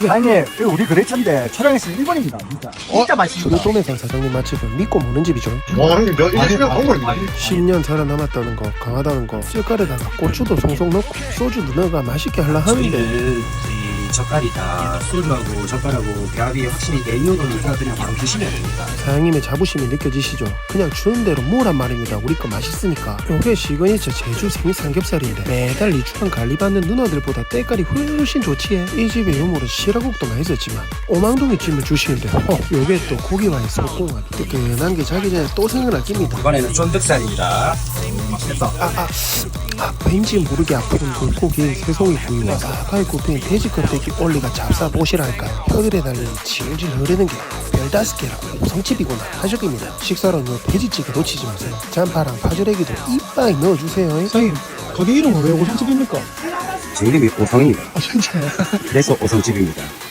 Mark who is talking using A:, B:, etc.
A: 사장님, 이거 우리 거래처인데 촬영했으면 1번입니다. 진짜. 진짜 맛있습니다.
B: 우리 동네산 사장님 맛집은 믿고 먹는 집이죠.
C: 와 형님 몇 1년 광고입니다.
B: 10년 살아남았다는 거, 강하다는 거, 찔깔에다가 고추도 송송 넣고 소주도 넣어가 맛있게 하려 하는데
D: 저희는 이 젓갈이다 소주하고 젓갈하고 배합이 확실히 내용으로니까 그냥 바로 드시면 됩니다.
B: 사장님의 자부심이 느껴지시죠? 그냥 주는 대로 뭐란 말입니다. 우리 거 맛있으니까. 요게 시그니처 제주 생삼겹살인데 매달 이주간 관리받는 누나들보다 때깔이 훨씬 좋지에. 이 집의 유물은 시라국도 맛있었지만 오망동이 찜을 주시는데 요게 또 고기와의 소공합이 뜨끈한 게 자기 전에 또 생각날 깁니다.
D: 이번에는 쫀득살입니다. 그래서
B: 왠지 모르게 아픈 물고기 새송이 구이와 사파이 굽힌 돼지 껍데기 올리가 잡사보시랄까요. 혀들에 달린 질질 흐르는 게 별다섯 개라고 우성집이구나 하셨습니다. 식사로는 돼지찌개 놓치지 마세요. 잔파랑 파절애기도 이빠이 넣어주세요.
A: 사장님, 가게 이름은 왜 오성집입니까?
D: 제 이름이 오성입니다.
A: 아, 진짜요?
D: 그래서 오성집입니다.